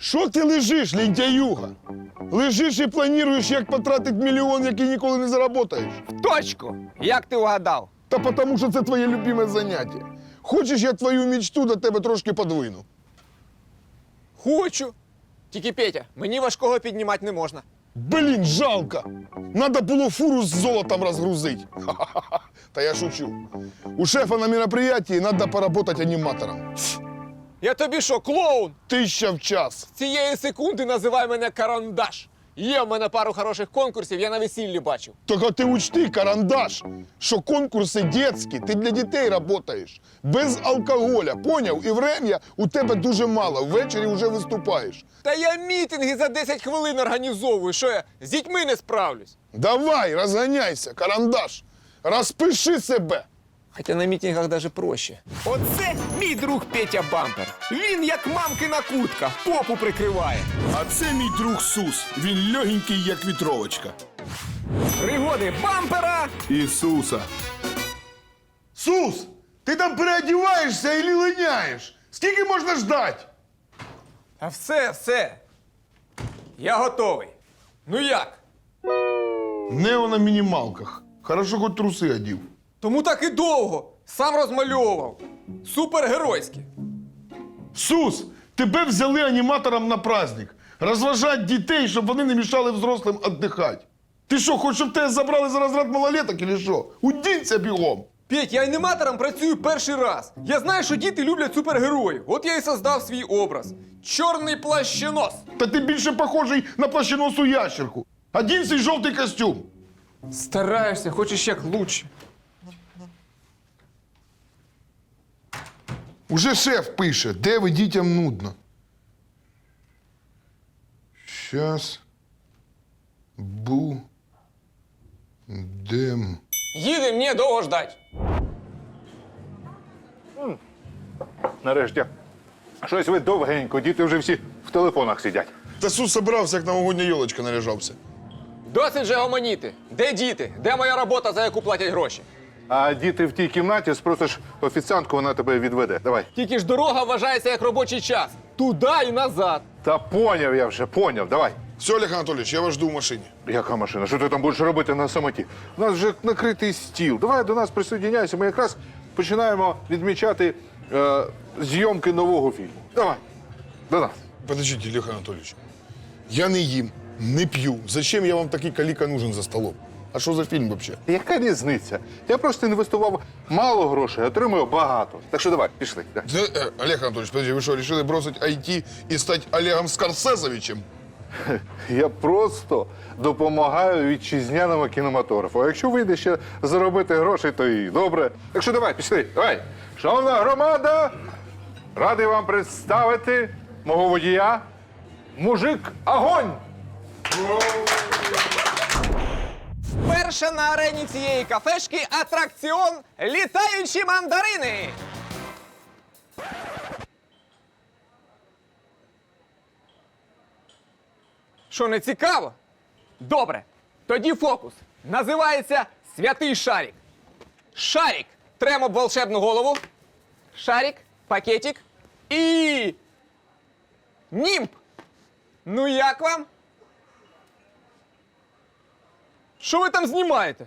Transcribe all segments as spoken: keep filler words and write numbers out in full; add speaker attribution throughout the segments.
Speaker 1: Що ти лежиш, лентяюга? Лежиш і плануєш, як потратити мільйон, який ніколи не заработаєш.
Speaker 2: Точку! Як ти угадав?
Speaker 1: Та тому, що це твоє любиме заняття. Хочеш, я твою мечту до тебе трошки подвину?
Speaker 2: Хочу. Тільки, Петя, мені важкого піднімати не можна.
Speaker 1: Блін, жалко. Надо було фуру з золотом розгрузити. Ха-ха-ха. Та я шучу. У шефа на мероприятии надо поработать аніматором.
Speaker 2: Я тобі що, клоун?
Speaker 1: Тисяча в час.
Speaker 2: З цієї секунди називай мене Карандаш. Є в мене пару хороших конкурсів, я на весіллі бачив.
Speaker 1: Тільки ти учти, Карандаш, що конкурси дитячі, ти для дітей працюєш. Без алкоголя, поняв? І врем'я у тебе дуже мало, ввечері вже виступаєш.
Speaker 2: Та я мітинги за десять хвилин організовую, що я з дітьми не справлюсь.
Speaker 1: Давай, розганяйся, Карандаш, розпиши себе.
Speaker 2: Хоча на мітингах навіть проще. Оце мій друг Петя Бампер. Він як мамкина куртка, попу прикриває.
Speaker 1: А це мій друг Сус, він легенький, як вітровочка.
Speaker 2: Пригоди Бампера!
Speaker 1: Ісуса. Сус, ти там переодіваєшся і линяєш? Скільки можна ждати?
Speaker 2: А все, все. Я готовий. Ну як?
Speaker 1: Нео на мінімалках. Хорошо, хоч труси одів.
Speaker 2: Тому так і довго. Сам розмальовував. Супергеройське.
Speaker 1: Сус, тебе взяли аніматором на праздник. Розважати дітей, щоб вони не мішали взрослим віддихати. Ти що, хочеш, щоб тебе забрали за розряд малолеток, чи що? Удінься бігом.
Speaker 2: Петь, я аніматором працюю перший раз. Я знаю, що діти люблять супергероїв. От я і создав свій образ. Чорний плащенос.
Speaker 1: Та ти більше похожий на плащеносу ящерку. Один цей жовтий костюм.
Speaker 2: Стараєшся, хочеш як лучше.
Speaker 1: Уже шеф пише, де ви дітям нудно. Щас будем.
Speaker 2: Їдем, ні, довго ждать.
Speaker 3: Нарешті. Щось ви довгенько, діти вже всі в телефонах сидять.
Speaker 1: Та Сус собрався, як новогодня йолочка наряжався.
Speaker 2: Досить же гомоніти. Де діти? Де моя робота, за яку платять гроші?
Speaker 3: А діти в тій кімнаті, спросиш офіціантку, вона тебе відведе. Давай.
Speaker 2: Тільки ж дорога вважається як робочий час. Туди і назад.
Speaker 3: Та поняв я вже, поняв, давай.
Speaker 1: Все, Олег Анатолійович, я вас жду в машині.
Speaker 3: Яка машина? Що ти там будеш робити на самоті? У нас вже накритий стіл. Давай до нас присоединяйся. Ми якраз починаємо відмічати е, зйомки нового фільму. Давай, до нас.
Speaker 1: Подождите, Олег Анатолійович. Я не їм, не п'ю. Зачем я вам такий каліка нужен за столом? А що за фільм взагалі?
Speaker 3: Яка різниця? Я просто інвестував мало грошей, отримую багато. Так що давай, пішли. Да.
Speaker 1: Олег Анатолійович, подожди, ви що, вирішили бросити ай ті і стати Олегом Скорсезовичем?
Speaker 3: Я просто допомагаю вітчизняному кінематографу. А якщо вийде ще заробити грошей, то і добре. Так що давай, пішли, давай. Шановна громада, радий вам представити мого водія, мужик Огонь!
Speaker 2: Перша на арені цієї кафешки атракціон «Літаючі мандарини». Що, не цікаво? Добре. Тоді фокус. Називається «Святий шарик». Шарик. Тремо об волшебну голову. Шарик, пакетик і... німб. Ну як вам? Що ви там знімаєте?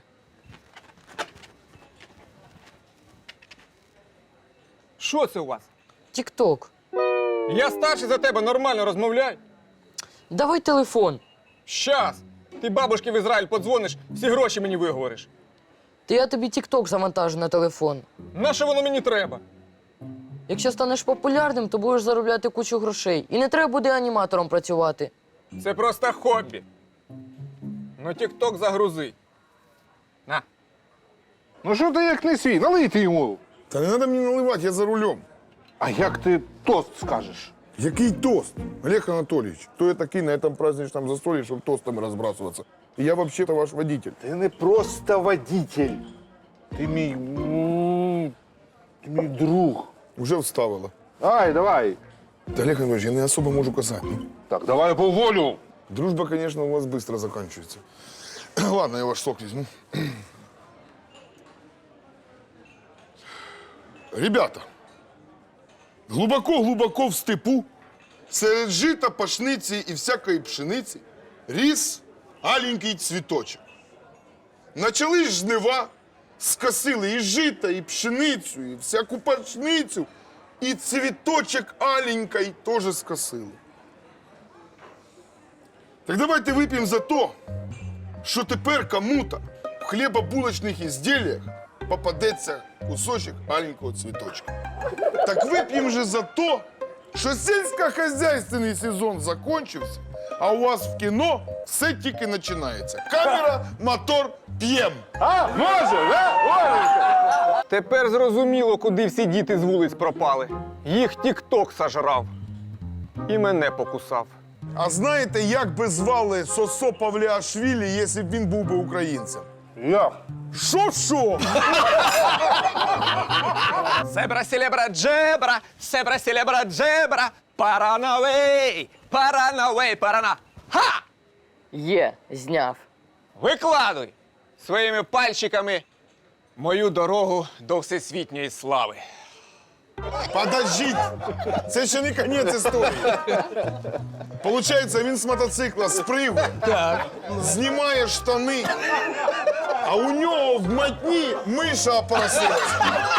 Speaker 2: Що це у вас?
Speaker 4: Тік-ток.
Speaker 2: Я старший за тебе, нормально розмовляй.
Speaker 4: Давай телефон.
Speaker 2: Щас. Ти бабушки в Ізраїль подзвониш, всі гроші мені виговориш.
Speaker 4: Та я тобі тік-ток завантажу на телефон.
Speaker 2: Нащо воно мені треба?
Speaker 4: Якщо станеш популярним, то будеш заробляти кучу грошей. І не треба буде аніматором працювати.
Speaker 2: Це просто хобі. Ну, тік-ток загрузи. На.
Speaker 3: Ну що ти як не свій? Налийте йому.
Speaker 1: Та не треба мені наливати, я за рулем.
Speaker 3: А як ти тост скажеш?
Speaker 1: Який тост? Олег Анатольевич, кто я такий на этом праздничном застолье, чтобы тостами разбрасываться? И я вообще-то ваш водитель.
Speaker 3: Ти не просто водитель. Ти мій... м, Ти мій друг.
Speaker 1: Уже вставила.
Speaker 3: Ай, давай.
Speaker 1: Да, Олег Анатольевич, я не особо могу казать. Ну,
Speaker 3: Так, давай по волю.
Speaker 1: дружба, конечно, у вас быстро заканчивается. Ладно, я ваш сок возьму. Ребята, глубоко-глубоко в степу Серед жита, пашниці і всякої пшениці ріс аленький цвіточок. Начали ж жнива, скосили і жита, і пшеницю, і всяку пашницю, і цвіточок аленький теж скосили. Так давайте вип'ємо за то, що тепер кому-то в хлібобулочних ізділлях попадеться кусочок аленького цвіточка. Так вип'ємо же за то, що сільськохозяйственний сезон закончився, а у вас в кіно все тільки починається. Камера, мотор, п'єм.
Speaker 3: А, може, да? Оленька?
Speaker 2: Тепер зрозуміло, куди всі діти з вулиць пропали. Їх тік-ток сожрав. І мене покусав.
Speaker 1: А знаєте, як би звали Сосо Павліашвілі, якщо б він був би українцем?
Speaker 3: Як?
Speaker 1: Шо-шо?
Speaker 2: Себра селебра джебра, себра селебра джебра, паранавей, паранавей, парана. Ха!
Speaker 4: Є, зняв.
Speaker 2: Викладуй своїми пальчиками мою дорогу до всесвітньої слави.
Speaker 1: Подождіть, це ще не кінець історії. Получається, він з мотоцикла спригує, знімає штани, а у нього в матні миша опросилась.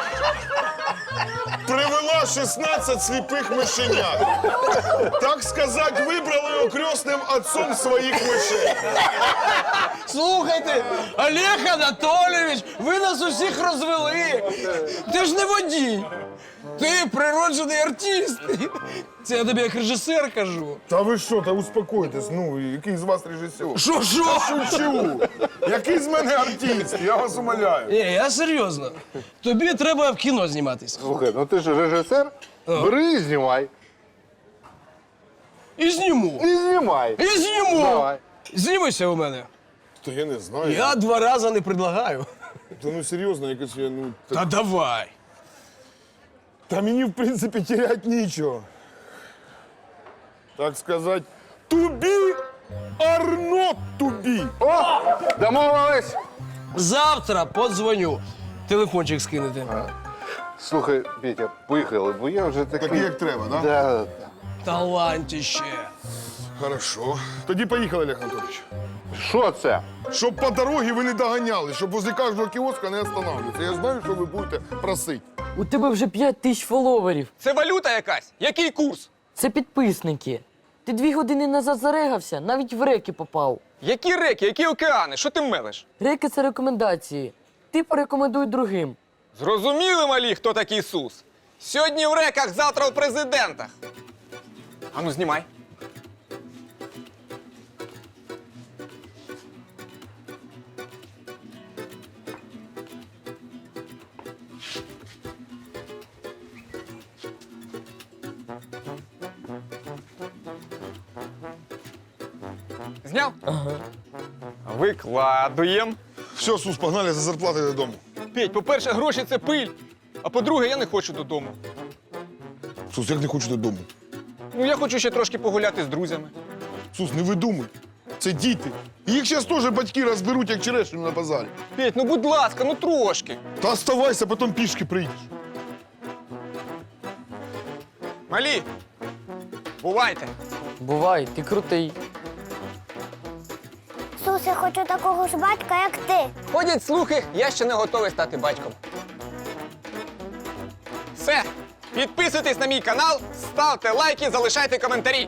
Speaker 1: Привела шістнадцять сліпих мишенят. Так сказати, вибрали його крестним отцом своїх мишей.
Speaker 5: Слухайте, Олег Анатолійович, ви нас усіх розвели. Ти ж не водій. Ти природжений артист. Це я тобі як режисер кажу.
Speaker 1: Та ви що, та успокойтесь, ну, який з вас режисер?
Speaker 5: Що, що?
Speaker 1: Шучу. Який з мене артист, я вас умоляю.
Speaker 5: Ні, я серйозно. Тобі треба в кіно зніматись.
Speaker 3: Слухай, ну ти ж режисер, бери і знімай.
Speaker 5: І зніму.
Speaker 3: І знімай.
Speaker 5: І зніму.
Speaker 3: Давай.
Speaker 5: Знімися у мене.
Speaker 1: Та я не знаю.
Speaker 5: Я два рази не предлагаю.
Speaker 1: Та ну серйозно, якось я, ну... Та,
Speaker 5: Та давай.
Speaker 1: та мені, в принципі, терять нічого. Так сказати, to be or not to be.
Speaker 3: О, домовились.
Speaker 5: Завтра подзвоню. Телефончик скинете.
Speaker 3: Слухай, Петя, поїхали, бо я вже такий...
Speaker 1: Такий, як треба, да?
Speaker 3: Да.
Speaker 5: Талантіще.
Speaker 1: Хорошо. Тоді поїхали, Олег Анатолійович.
Speaker 3: Що це?
Speaker 1: Щоб по дорозі ви не доганяли, щоб возле кожного кіоска не останавливатися. Я знаю, що ви будете просити.
Speaker 4: У тебе вже п'ять тисяч фоловерів.
Speaker 2: Це валюта якась? Який курс?
Speaker 4: Це підписники. Ти дві години назад зарегався, навіть в реки попав.
Speaker 2: Які реки, які океани? Що ти мелиш?
Speaker 4: Реки це рекомендації. Ти порекомендуй другим.
Speaker 2: Зрозуміли, малі, хто такий Ісус? Сьогодні в реках, завтра в президентах. Ану, знімай. Зняв? Ага. Викладуєм.
Speaker 1: Все, Сус, погнали за зарплатою додому.
Speaker 2: Петь, по-перше, гроші це пиль. А по-друге, я не хочу додому.
Speaker 1: Сус, як не хочу додому?
Speaker 2: Ну, я хочу ще трошки погуляти з друзями.
Speaker 1: Сус, не видумуй. Це діти. І їх зараз теж батьки розберуть, як черешню на базарі.
Speaker 2: Петь, ну будь ласка, ну трошки.
Speaker 1: Та оставайся, потім пішки прийдеш.
Speaker 2: Малі, бувайте.
Speaker 4: Бувай, ти крутий.
Speaker 6: Сус, я хочу такого ж батька, як ти.
Speaker 2: Ходять слухи, я ще не готовий стати батьком. Все, підписуйтесь на мій канал, ставте лайки, залишайте коментарі.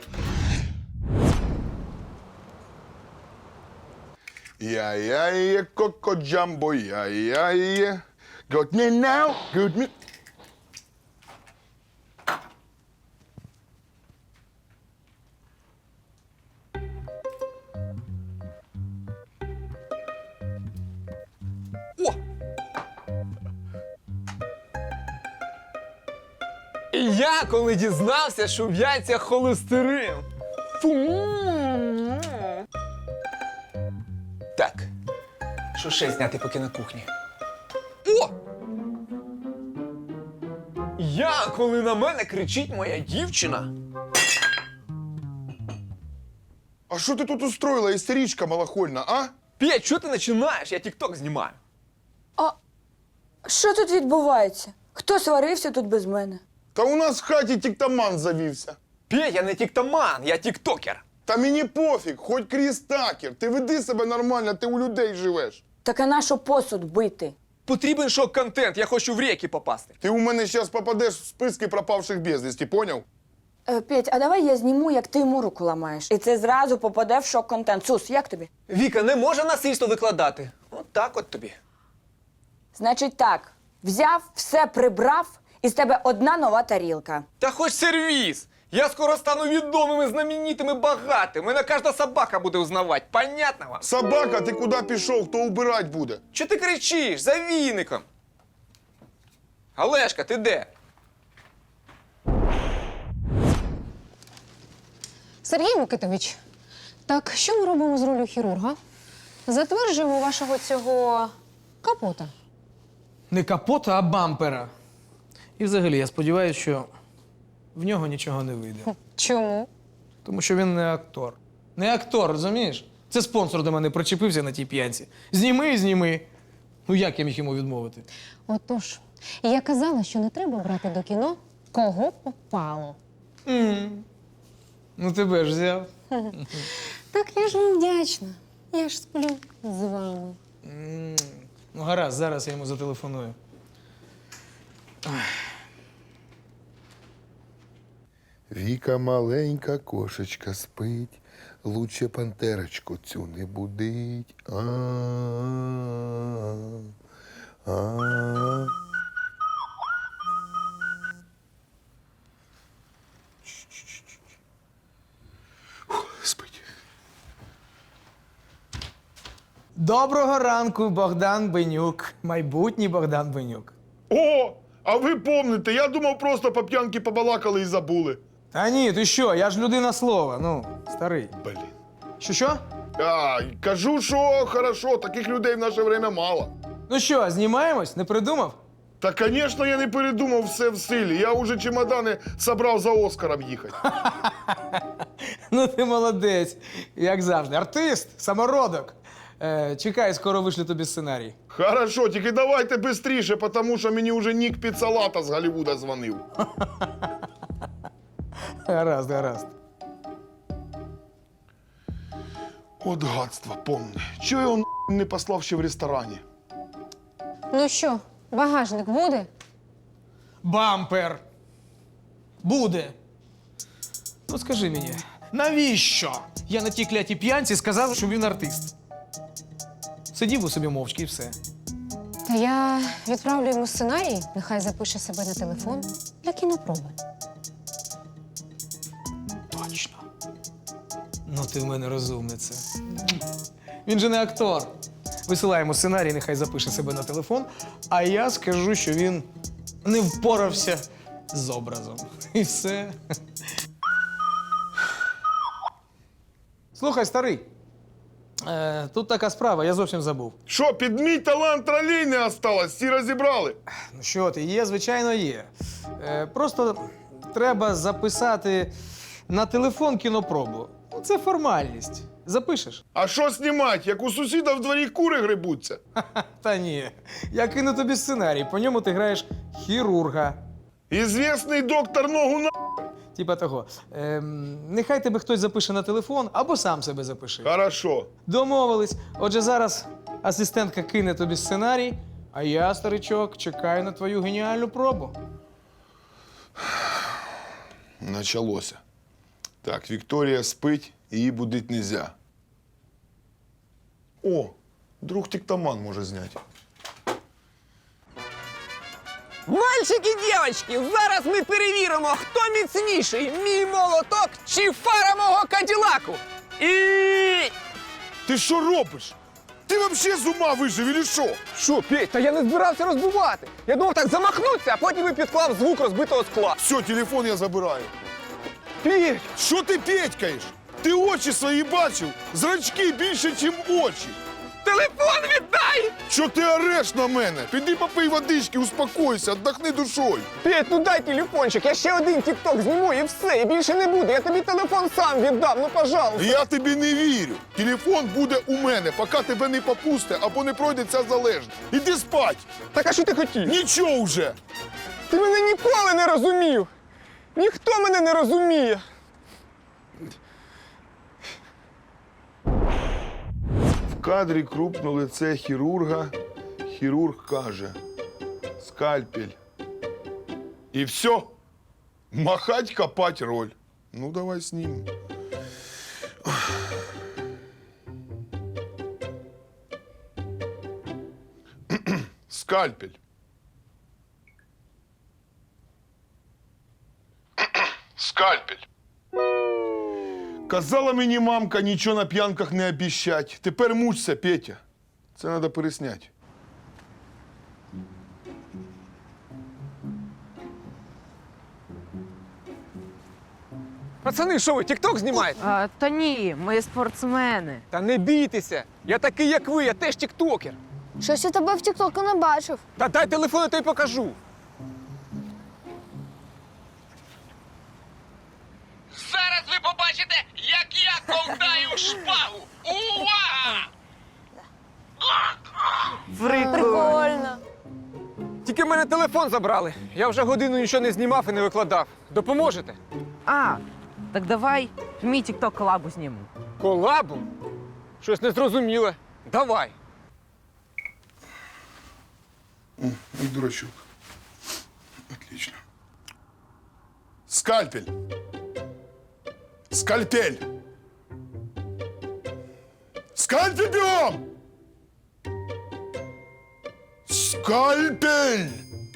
Speaker 1: Я-я-я, коко-джамбо, я-я-я. Got me now, got me...
Speaker 2: О! І я, коли дізнався, що в яйцях холестерин. Фу. Так, що ще зняти поки на кухні? О! Я, коли на мене кричить моя дівчина.
Speaker 1: А що ти тут устроїла, істеричка малохольна, а?
Speaker 2: Петь, що ти починаєш? Я тік-ток знімаю.
Speaker 7: Що тут відбувається? Хто сварився тут без мене?
Speaker 1: Та у нас в хаті тіктаман завівся.
Speaker 2: Петь, я не тіктоман, я тіктокер.
Speaker 1: Та мені пофіг, хоч Кріс Такер. Ти веди себе нормально, ти у людей живеш.
Speaker 4: Так а на що посуд бити?
Speaker 2: Потрібен шок-контент, я хочу в реки попасти.
Speaker 1: Ти у мене зараз попадеш в списки пропавших безвісті, поняв?
Speaker 4: Е, Петь, а давай я зніму, як ти йому руку ламаєш. І це зразу попаде в шок-контент. Сус, як тобі?
Speaker 2: Віка, не може насильство викладати. От так от тобі.
Speaker 4: Значить так, взяв, все прибрав, і з тебе одна нова тарілка.
Speaker 2: Та хоч сервіс. Я скоро стану відомими, знаменитими, багатим. Мене кожна собака буде узнавати. Понятно вам?
Speaker 1: Собака, ти куди пішов, хто убирать буде?
Speaker 2: Чого ти кричиш? За віником. Олешка, ти де?
Speaker 7: Сергій Микитович, так що ми робимо з ролью хірурга? Затверджуємо вашого цього капота.
Speaker 5: Не капота, а бампера. І взагалі, я сподіваюся, що в нього нічого не вийде.
Speaker 7: Чому?
Speaker 5: Тому що він не актор. Не актор, розумієш? Це спонсор до мене причепився на тій п'янці. Зніми і зніми. Ну як я міг йому відмовити?
Speaker 7: Отож, я казала, що не треба брати до кіно кого попало.
Speaker 5: Ну тебе ж взяв.
Speaker 7: Так я ж вам вдячна. Я ж сплю з вами.
Speaker 5: Ну гаразд, зараз я йому зателефоную.
Speaker 1: Віка маленька кошечка спить, лучше пантерочку цю не будить. А-а-а. Спить.
Speaker 5: Доброго ранку, Богдан Бенюк. Майбутній Богдан Бенюк.
Speaker 1: О, а ви помните, я думав, просто по п'янки побалакали і забули.
Speaker 5: Та ні, ти що, я ж людина слова, ну, старий.
Speaker 1: Блін.
Speaker 5: Що що?
Speaker 1: А, кажу, що хорошо, таких людей в наше время мало.
Speaker 5: Ну що, знімаємось? Не придумав?
Speaker 1: Та, звісно, я не передумав все в силі. Я уже чемодани собрав за Оскаром їхати.
Speaker 5: Ну ти молодець, як завжди. Артист, самородок. Е, чекай, скоро вишлю тобі сценарій.
Speaker 1: Хорошо, тільки давайте бистріше, тому що мені вже Нік Піцалата з Голлівуда дзвонив.
Speaker 5: Гаразд, гаразд.
Speaker 1: От гадство, помни. Чого я його не послав ще в ресторані?
Speaker 7: Ну що, багажник буде?
Speaker 5: Бампер. Буде. Ну скажи мені, навіщо я на тій клятій п'янці сказав, що він артист? Сидів у собі мовчки і все.
Speaker 7: Та я відправлю йому сценарій, нехай запише себе на телефон для кінопроби.
Speaker 5: Точно. Ну ти в мене розумниця. Він же не актор. Висилаємо сценарій, нехай запише себе на телефон, а я скажу, що він не впорався з образом. І все. Слухай, старий, е, тут така справа, я зовсім забув.
Speaker 1: Що, під мій талант тролей не осталось? Всі розібрали?
Speaker 5: Ну що ти, є, звичайно, є. Е, просто треба записати на телефон кінопробу. Ну, це формальність. Запишеш?
Speaker 1: А що знімати, як у сусіда в дворі кури грибуться?
Speaker 5: Та ні. Я кину тобі сценарій, по ньому ти граєш хірурга.
Speaker 1: Ізвісний доктор ногу на...
Speaker 5: Типа того. Ем, нехай тебе хтось запише на телефон або сам себе запиши.
Speaker 1: Хорошо.
Speaker 5: Домовились. Отже, зараз асистентка кине тобі сценарій, а я, старичок, чекаю на твою геніальну пробу.
Speaker 1: Началося. Так, Вікторія спить, її будить нельзя. О, друг тіктоман може зняти.
Speaker 2: Мальчики, дівчатки, зараз ми перевіримо, хто міцніший, мій молоток чи фара мого каділаку. І...
Speaker 1: Ти що робиш? Ти взагалі з ума вижив, или що?
Speaker 2: Що, Петь, та я не збирався розбивати. Я думав так замахнутися, а потім і підклав звук розбитого скла.
Speaker 1: Все, телефон я забираю.
Speaker 2: Петь!
Speaker 1: Що ти петькаєш? Ти очі свої бачив? Зрачки більше, ніж очі.
Speaker 2: Телефон віддай!
Speaker 1: Що ти ореш на мене? Піди попий водички, успокойся, віддохни душою.
Speaker 2: Петь, ну дай телефончик, я ще один тік-ток зніму і все, і більше не буде. Я тобі телефон сам віддам, ну пожалуйста.
Speaker 1: Я тобі не вірю. Телефон буде у мене, поки тебе не попусте або не пройде ця залежність. Іди спать.
Speaker 2: Так а що ти хотів?
Speaker 1: Нічого вже.
Speaker 2: Ти мене ніколи не розумів. Ніхто мене не розуміє.
Speaker 1: кадрі крупне лице хірурга. Хірург каже: скальпель. І все. Махать, копать роль. Ну, давай знімемо. Скальпель. Скальпель. Казала мені мамка нічого на п'янках не обіщать. Тепер мучся, Петя. Це треба пересняти.
Speaker 2: Пацани, що ви, тік-ток знімаєте?
Speaker 8: А, та ні, ми спортсмени.
Speaker 2: Та не бійтеся. Я такий, як ви, я теж тіктокер.
Speaker 6: Щось я тебе в тіктоку не бачив.
Speaker 2: Та дай телефон, я тобі покажу. Зараз ви побачите, як я ковтаю шпагу. Увага!
Speaker 6: Прикольно.
Speaker 2: Тільки в мене телефон забрали. Я вже годину нічого не знімав і не викладав. Допоможете?
Speaker 8: А, так давай мій тік-ток колабу знімемо.
Speaker 2: Колабу? Щось незрозуміле. Давай.
Speaker 1: И дурачок. Отлично. Скальпель. Скальпель. Скальпель бьем! Скальпель!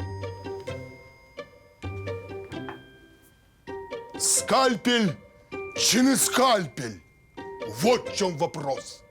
Speaker 1: Скальпель чи не скальпель? Вот в чем вопрос.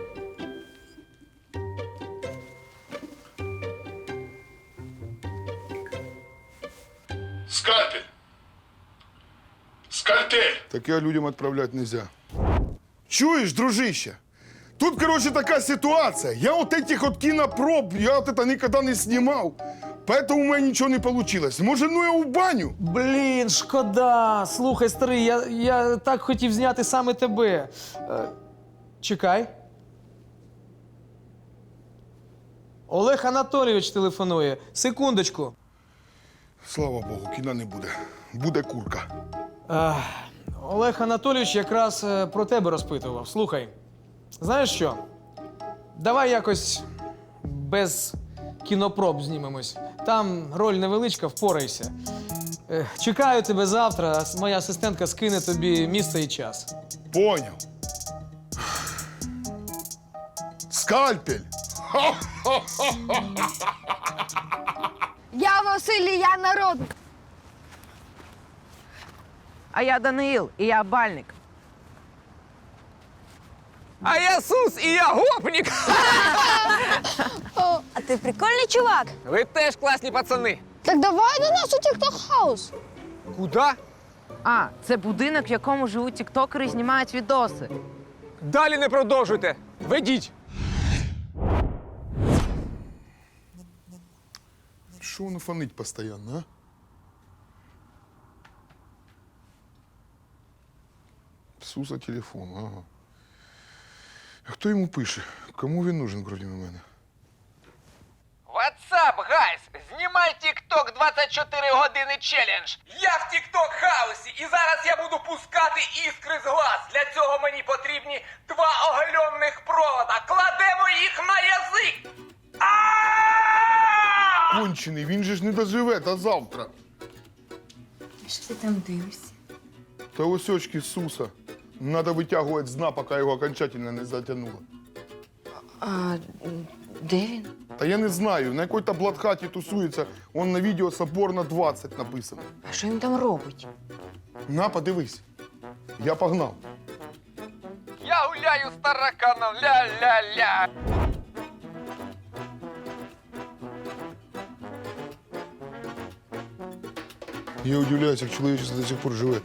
Speaker 1: Скальпель. Скальпель. Таке людям відправляти нельзя. Чуєш, дружище? Тут, короче, такая ситуация. Я вот этих вот кинопроб, я вот это никогда не снимал. Поэтому у меня ничего не получилось. Может, ну я в баню?
Speaker 5: Блін, шкода. Слухай, старий, я, я так хотів зняти саме тебе. Е, чекай. Олег Анатолійович телефонує. Секундочку.
Speaker 1: Слава Богу, кіна не буде. Буде курка.
Speaker 5: Е, Олег Анатолійович якраз е, про тебе розпитував. Слухай, знаєш що? Давай якось без кінопроб знімемось. Там роль невеличка, впорайся. Е, чекаю тебе завтра. Моя асистентка скине тобі місце і час.
Speaker 1: Понял. Скальпель.
Speaker 6: Я Василь, і я народник.
Speaker 8: А я Даниїл, і я бальник.
Speaker 2: А я Сус і я гопнік.
Speaker 6: О, а ти прикольний чувак.
Speaker 2: Ви теж класні пацани.
Speaker 6: Так давай до нас у тікток хаус.
Speaker 2: Куда?
Speaker 8: А, це будинок, в якому живуть тіктокери і знімають відоси.
Speaker 2: Далі не продовжуйте. Ведіть.
Speaker 1: Що воно фонить постійно, а? Суса телефон, ага. А хто йому пише? Кому він нужен, крім мене?
Speaker 2: What's up, guys? Знімай TikTok двадцять чотири години челендж. Я в TikTok хаусі і зараз я буду пускати іскри з глаз. Для цього мені потрібні два оголенних провода. Кладемо їх на язик. А!
Speaker 1: Кончений, він же ж не доживе до завтра.
Speaker 7: Що ти там дивишся?
Speaker 1: Та ось очки Суса. Надо витягувати з дна, поки його окончательно не затягнуло.
Speaker 4: А де він?
Speaker 1: Та я не знаю, на якій-то блатхаті тусується, он на відео Соборна двадцять написано.
Speaker 4: А що він там робить?
Speaker 1: На, подивись. Я погнав.
Speaker 2: Я гуляю з тараканом, ля-ля-ля.
Speaker 1: Я удивляюсь, як чоловічество до сих пор живе.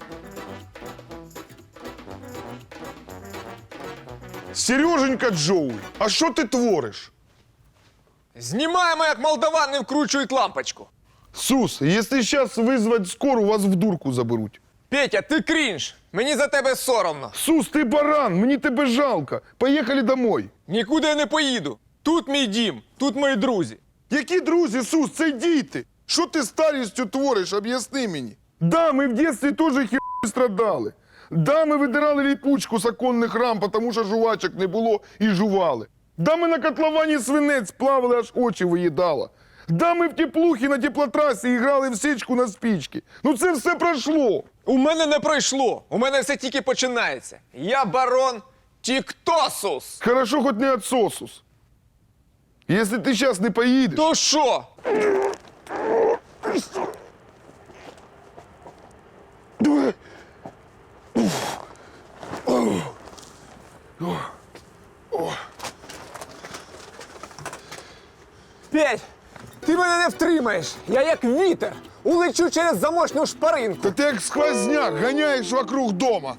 Speaker 1: Сереженька Джоуль, а що ти твориш?
Speaker 2: Знімаємо, як молдаван не вкручують лампочку.
Speaker 1: Сус, якщо зараз визвати скору, вас в дурку заберуть.
Speaker 2: Петя, ти крінж. Мені за тебе соромно.
Speaker 1: Сус, ти баран, мені тебе жалко. Поїхали домой.
Speaker 2: Нікуди я не поїду. Тут мій дім, тут мої друзі.
Speaker 1: Які друзі, Сус, це діти. Що ти старістю твориш, об'ясни мені. Да, ми в дитинстві теж херню страдали. Да, ми видирали ліпучку з оконних рам, тому що жувачок не було і жували. Да ми на котловані свинець плавали, аж очі виїдало. Да ми в теплухі на теплотрасі грали в січку на спічки. Ну це все пройшло.
Speaker 9: У мене не пройшло. У мене все тільки починається. Я барон Тіктосус.
Speaker 1: Хорошо, хоч не отсосус. Якщо ти зараз не поїдеш...
Speaker 9: То що? Петь, ти мене не втримаєш. Я як вітер. Улечу через замочну шпаринку.
Speaker 1: Та ти як сквозняк ганяєш вокруг дома.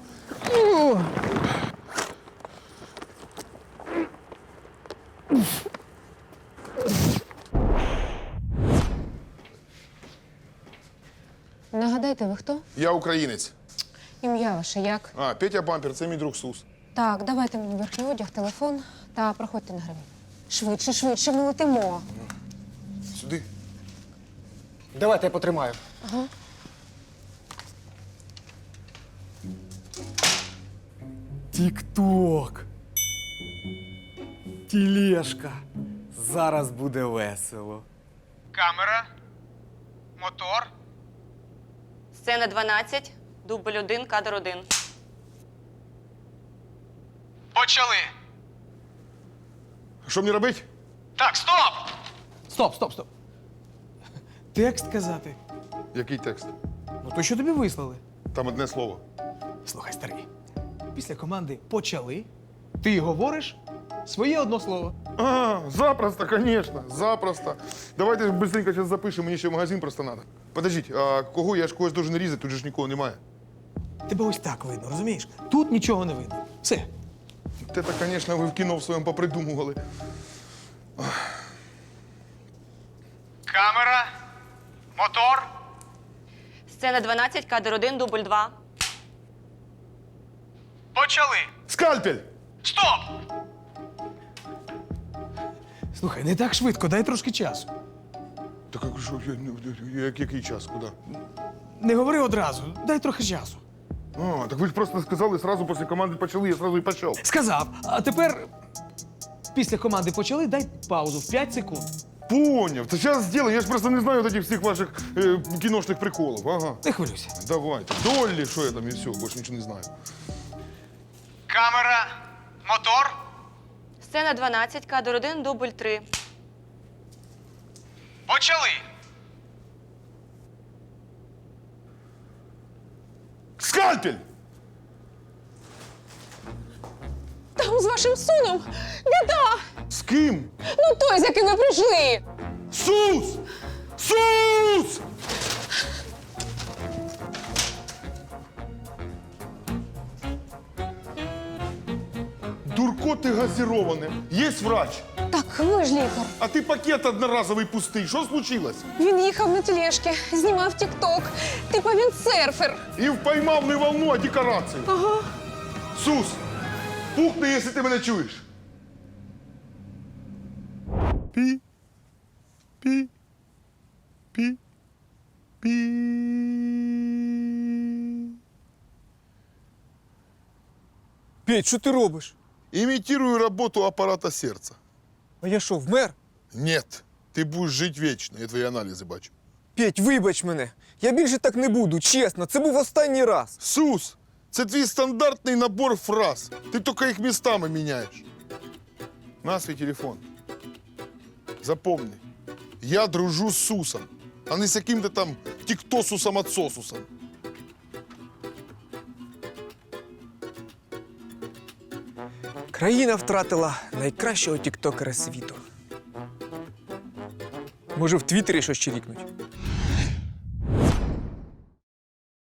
Speaker 7: Нагадайте, ви хто?
Speaker 1: Я українець.
Speaker 7: Ім'я ваше як?
Speaker 1: А, Петя Бампер, це мій друг Сус.
Speaker 7: Так, давайте мені верхній одяг, телефон та проходьте на гривень. Швидше, швидше, ми летимо.
Speaker 1: Сюди.
Speaker 9: Давайте я потримаю.
Speaker 10: Тік-ток. Тілешка. Зараз буде весело.
Speaker 2: Камера. Мотор.
Speaker 6: Сцена дванадцять, дубль один, кадр один.
Speaker 2: Почали.
Speaker 1: Що мені робити?
Speaker 2: Так, стоп!
Speaker 5: Стоп, стоп, стоп. Текст казати.
Speaker 1: Який текст?
Speaker 5: Ну то, що тобі вислали.
Speaker 1: Там одне слово.
Speaker 5: Слухай, старий. Після команди почали, ти говориш своє одно слово.
Speaker 1: А, запросто, конечно, запросто. Давайте быстренько сейчас запишемо, мені ще в магазин просто надо. Подождіть, а кого? Я ж когось должен різати, тут же ж нікого немає.
Speaker 5: Тебе ось так видно, розумієш? Тут нічого не видно. Все.
Speaker 1: Те, конечно, ви в кіно в своєму попридумували.
Speaker 2: Камера. Мотор.
Speaker 6: Сцена дванадцять, кадр один, дубль два.
Speaker 2: Почали.
Speaker 1: Скальпель!
Speaker 2: Стоп!
Speaker 5: Слухай, не так швидко, дай трошки часу.
Speaker 1: Так а що, я- я- як- який час, куди?
Speaker 5: Не говори одразу, дай трохи часу.
Speaker 1: А, так ви ж просто сказали, сразу після команди почали, я сразу і почав.
Speaker 5: Сказав, а тепер після команди почали, дай паузу в п'ять секунд.
Speaker 1: Поняв, це зараз зроблю, я ж просто не знаю от этих всіх ваших е, кіношних приколів. Ага.
Speaker 5: Не хвилюйся.
Speaker 1: Давайте. Доллі, що я там і все, більше нічого не знаю.
Speaker 2: Камера. Мотор.
Speaker 6: Сцена дванадцять, кадр один, дубль три.
Speaker 2: Почали.
Speaker 1: Скальпель!
Speaker 7: Там з вашим сином біда!
Speaker 1: З ким?
Speaker 7: Ну той, з яким ви прийшли!
Speaker 1: Сус! Сус! Дурко ти газіроване. Є врач.
Speaker 7: Так, ви ж лікар.
Speaker 1: А ти пакет одноразовий пустий. Що случилось?
Speaker 7: Він їхав на тележці, знімав тік-ток. Типа він серфер.
Speaker 1: І впоймав не волну, а декорацію.
Speaker 7: Ага.
Speaker 1: Сус, пухни, якщо ти мене чуєш. Пі. Пі. Пі. Пі.
Speaker 9: Петь, що ти робиш?
Speaker 1: Имитирую работу аппарата сердца.
Speaker 9: А я що, вмер?
Speaker 1: Нет, ти будеш жити вічно, я твої аналізи бачу.
Speaker 9: Петь, вибач мене. Я більше так не буду, чесно. Це був останній раз.
Speaker 1: Сус, це твій стандартний набор фраз. Ти тільки їх містами міняєш. На свій телефон. Запомни, я дружу з Сусом, а не з яким-то там тіктосусом-отсосусом.
Speaker 9: Країна втратила найкращого тіктокера світу. Може, в Твіттері щось чирікнуть?